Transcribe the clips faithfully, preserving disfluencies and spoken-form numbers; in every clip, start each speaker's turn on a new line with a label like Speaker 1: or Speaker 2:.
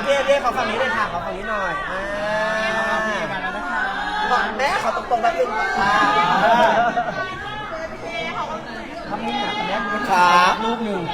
Speaker 1: พี่เอพี่ขอฝั่งนี้เลยค่ะขอฝั่งนี้หน่อยอ่าก่อนแม่ขอตรงๆแป๊บนึงค่ะทำนี่หนักแม่ครับลูกหนึ่ง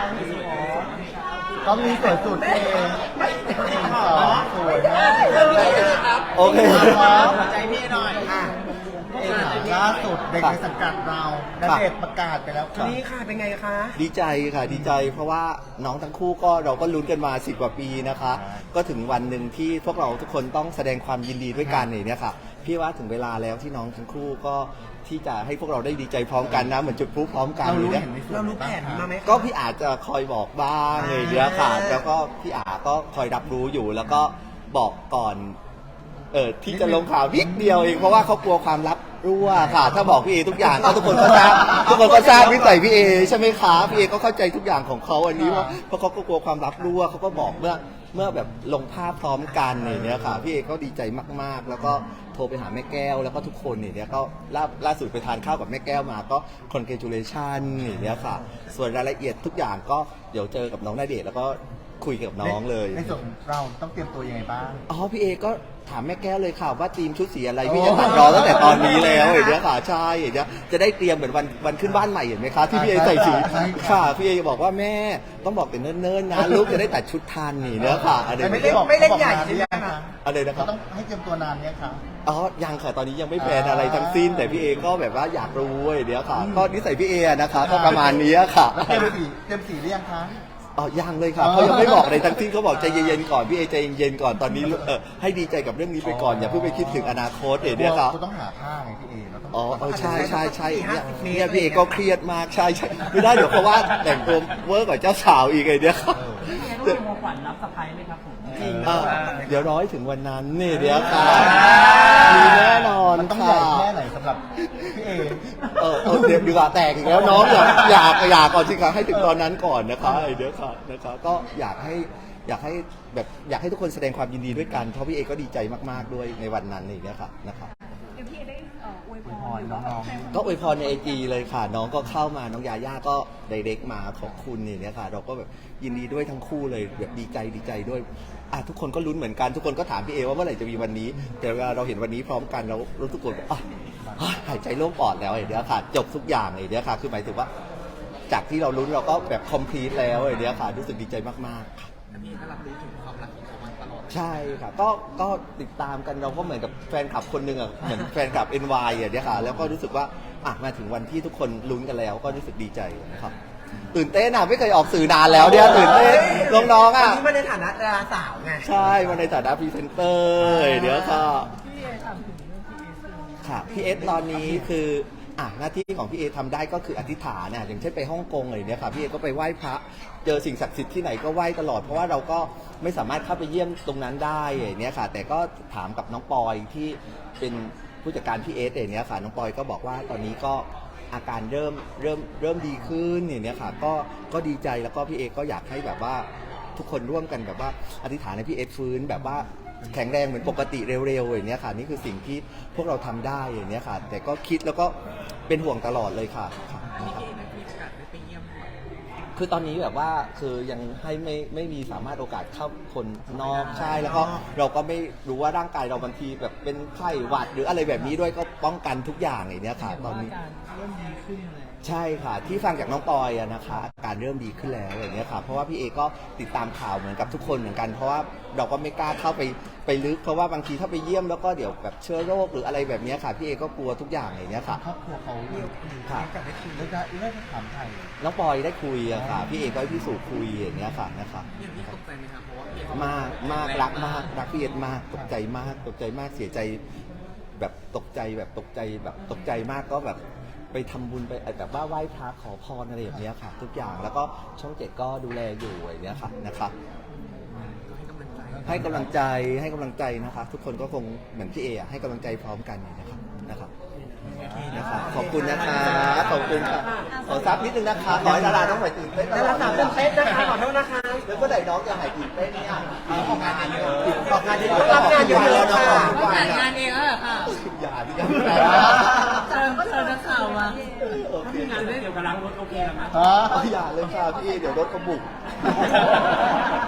Speaker 2: ต้องมีสวยสุดเองสองสวยมาก
Speaker 1: โอเคหัวใจพี่หน่อยอ่ะ
Speaker 2: ล่าสุดเด็กในสังกัดเราณเดชน์ประกาศไปแล้วค่ะ
Speaker 1: นี่ค่ะเป็นไงคะ
Speaker 3: ดีใจค่ะดีใจเพราะว่าน้องทั้งคู่ก็เราก็ลุ้นกันมาสิบกว่าปีนะคะก็ถึงวันหนึ่งที่พวกเราทุกคนต้องแสดงความยินดีด้วยกันเนี่ยค่ะพี่ว่าถึงเวลาแล้วที่น้องทั้งคู่ก็ที่จะให้พวกเราได้ดีใจพร้อมกันนะเหมือนจุดพลุพร้อมกันเลยเนี่ย
Speaker 1: เรารู้แผนมาไหม
Speaker 3: ก็พี่อาจจะคอยบอกบ้างเลยเดี๋ยวค่ะแล้วก็พี่อาก็คอยรับรู้อยู่แล้วก็บอกก่อนเออที่จะลงข่าวนิดเดียวเองเพราะว่าเขากลัวความลับรั่วค่ะถ้าบอกพี่เอทุกอย่างก็ทุกคนก็ทราบทุกคนก็ทราบนิสัยพี่เอใช่ไหมคะพี่เอก็เข้าใจทุกอย่างของเขาอันนี้ว่าเพราะเขาก็กลัวความลับรั่วเขาก็บอกเมื่อเมื่อแบบลงภาพพร้อมกันเนี่ยค่ะพี่เอก็ดีใจมากๆแล้วก็โทรไปหาแม่แก้วแล้วก็ทุกคนเนี่ยก็ล่าล่าสุดไปทานข้าวกับแม่แก้วมาก็ congratulation เนี่ยค่ะส่วนรายละเอียดทุกอย่างก็เดี๋ยวเจอกับน้องณเดชน์แล้วก็คุยกับน้องเลย
Speaker 2: ในส่วนเราต้องเตรียมตัวยังไงบ้าง
Speaker 3: อ๋อพี่เอก็ถามแม่แก้วเลยค่ะว่าทีมชุดสีอะไรพี่จะตัดรอตั้งแต่ตอนนี้แล้วเห็นไหมค่ะใช่เห็นไหมจะได้เตรียมเหมือนวันวันขึ้นบ้านใหม่เห็นไหมคะที่พี่เอใส่สีค่ะพี่เอบอกว่าแม่ต้องบอกแต่เนิ่นๆนะลูกจะได้ตัดชุดทันนี่เนื้อค่ะอะไร
Speaker 1: ไม่เล่นไม่เล่นใหญ่ใช่ไหมคะ
Speaker 3: อะไรนะครับ
Speaker 2: ต้องให้เตรียมตัวนานเนี่ยค่ะ
Speaker 3: อ๋อยังค่ะตอนนี้ยังไม่แพลนอะไรทั้งสิ้นแต่พี่เอก็แบบว่าอยากรู้เดี๋ยวค่ะก็นิสัยพี่เอนะคะก็ประมาณนี้ค่ะ
Speaker 2: เตรียมสีเตรียมสีหรือยังคะ
Speaker 3: อ๋อยังเลยค่ะเขายังไม่บอกอะไรทั้งสิ้นเขาบอกใจเย็นๆก่อนพี่เอใจเย็นๆก่อนตอนนี้เออให้ดีใจกับเรื่องนี้ไปก่อนอย่าเพิ่งไปคิดถึงอนาคตเดี๋ยวครับ
Speaker 2: คุณต้องหาผ้าไงพี่เอเราต้อง
Speaker 3: อ๋อเออใช่ใช่ใช่เนี่ยเนี่ยพี่เอก็เครียดมากใช่ใช่ไม่ได้เดี๋ยวเพราะว่าแต่งตัวเวอร์กว่าเจ้าสาวอีกไงเนี่ยครับ
Speaker 4: เดี๋ยวของขวัญรับสะพายไหมครับผม
Speaker 3: เดี๋ยวร้อยถึงวันนั้นนี่เดี๋ยวค่ะมีแน่นอน
Speaker 2: ต้องใหญ่แค่ไหนสำหรับพี่เอ
Speaker 3: เออเดี๋ยวดีกว่าแตกอีกแล้วน้องอยากอยากอยากก่อนสิคะให้ถึงตอนนั้นก่อนนะคะเดี๋ยวค่ะนะคะก็อยากให้อยากให้แบบอยากให้ทุกคนแสดงความยินดีด้วยกันเพราะพี่เอก็ดีใจมากๆด้วยในวันนั้นนี่นะคะนะครับ
Speaker 4: เดี๋ยวพี่เอได้อวยพร
Speaker 2: น้อง
Speaker 3: ก็อวยพรในไอจีเลยค่ะน้องก็เข้ามาน้องยาย่าก็ไดเรกมาขอบคุณนี่เนี่ยค่ะเราก็แบบยินดีด้วยทั้งคู่เลยแบบดีใจดีใจด้วยอ่ะทุกคนก็ลุ้นเหมือนกันทุกคนก็ถามพี่เอว่าเมื่อไหร่จะมีวันนี้แต่เวลาเราเห็นวันนี้พร้อมกันเรารู้ทุกคนอ่ะหายใจโล่งปอดแล้วไอ้เนี้ยค่ะจบทุกอย่างไอ้เนี้ยค่ะคือหมายถึงว่าจากที่เราลุ้นเราก็แบบคอมพลีทแล้วไอ้เนี้ยค่ะรู้สึกดีใจมากๆค่ะ
Speaker 1: พี่ก็รับรู้ถึงความรักของเขามาตลอด
Speaker 3: ใช่ค่ะก็ก็ติดตามกันเราก็เหมือนกับแฟนคลับคนหนึ่งอ่ะเหมือนแฟนคลับ เอ็น วาย อ่ะเนี้ยค่ะแล้วก็รู้สึกว่าอ่ะมาถึงวันที่ทุกคนลุ้นกันแล้วก็รู้สึกดีใจนะครับตื่นเต้นอ่ะไม่เคยออกสื่อนานแล้วเนี่ยตื่นเต้นน้องๆอ่ะ
Speaker 1: วันนี้มาในฐานะดาราสาวไง
Speaker 3: ใช่มาในฐานะพรีเซนเตอร์เดี๋ยวค่ะ
Speaker 4: พี่เอถามถึงเรื่องพี่เอซึ่ง
Speaker 3: ค่ะพี่เอสตอนนี้คืออ่ะหน้าที่ของพี่เอทำได้ก็คืออธิษฐานเนี่ยอย่างเช่นไปฮ่องกงอะไรเนี่ยค่ะพี่เอก็ไปไหว้พระเจอสิ่งศักดิ์สิทธิ์ที่ไหนก็ไหว้ตลอดเพราะว่าเราก็ไม่สามารถเข้าไปเยี่ยมตรงนั้นได้อย่างเนี้ยค่ะแต่ก็ถามกับน้องปอยที่เป็นผู้จัดการพี่เอสอย่างเนี้ยค่ะน้องปอยก็บอกว่าตอนนี้ก็อาการเริ่มเริ่มเริ่มดีขึ้นอย่างเนี้ยค่ะก็ก็ดีใจแล้วก็พี่เอก็อยากให้แบบว่าทุกคนร่วมกันแบบว่าอธิษฐานให้พี่เอสฟื้นแบบว่าแข็งแรงเหมือนปกติเร็วๆอย่างเนี้ยค่ะนี่คือสิ่งที่พวกเราทำได้อย่างเนี้ยค่ะแต่ก็คิดแล้วก็เป็นห่วงตลอดเลยค่ะคือตอนนี้แบบว่าคือยังให้ไม่ไม่มีสามารถโอกาสเข้าคนนอกใช่แล้วก็เราก็ไม่รู้ว่าร่างกายเราบางทีแบบเป็นไข้หวัดหรืออะไรแบบนี้ด้วยก็ป้องกันทุกอย่างอย่างเนี้ยค่ะตอนนี้
Speaker 4: เริ่มดีขึ้นเลย
Speaker 3: ใช่ค่ะที่ฟังจากน้องปอยอะนะคะอาการเริ่มดีขึ้นแล้วอย่างเงี้ยค่ะเพราะว่าพี่เอก็ติดตามข่าวเหมือนกับทุกคนเหมือนกันเพราะว่าเราก็ไม่กล้าเข้าไปไปลึกเพราะว่าบางทีถ้าไปเยี่ยมแล้วก็เดี๋ยวแบบเชื้อโรคหรืออะไรแบบนี้ค่ะพี่เอก็กลัวทุกอย่างอย่างเงี้ยค่ะ
Speaker 2: ครอบครัวเขาเรียก
Speaker 3: ค่ะ
Speaker 2: กับได้คุยแล้วได้ได้ถามไทย
Speaker 3: น้องปอยได้คุยอะค่ะพี่เอก็ให้พี่สุคุยอย่างเงี้ยค่ะนะคะ
Speaker 1: ตกใจไหมครับเพราะว่าม
Speaker 3: ากมากรักมากรักพี่เอมากตกใจมากตกใจมากเสียใจแบบตกใจแบบตกใจแบบตกใจมากก็แบบไปทำบุญไปแบบว่าไหว้พระขอพรอะไรอย่างเงี้ยค่ะทุกอย่างแล้วก็ช่องเจ็ดก็ดูแลอยู่อย่างเงี้ยค่ะนะคะให้กำลังใจให้กำลังใจนะคะทุกคนก็คงเหมือนพี่เอให้กำลังใจพร้อมกันนะครับนะครับนะคะขอบคุณนะคะขอบคุณค่ะขอซับนิดนึงนะคะขอให้ดาราต้องหายตื่นเต้น
Speaker 1: ดาราสาวตื่นเต้นนะคะขอโทษนะคะ
Speaker 3: แล้วก็ไหนน้องจะหายตื่นเต้นเนี่ย
Speaker 1: ออกงานเยอะออกงานเยอะรับงานเยอะค่ะ
Speaker 4: แต่งงานเองแล้วเหรอค่ะ
Speaker 3: อย่าดิครับ
Speaker 4: เติมเติมนักข่าวมาถ้ามีงานได้เดี๋ยวกำลังรถโอเคหรือมั้ย
Speaker 3: อย่าเลยค่ะพี่เดี๋ยวรถกระบุก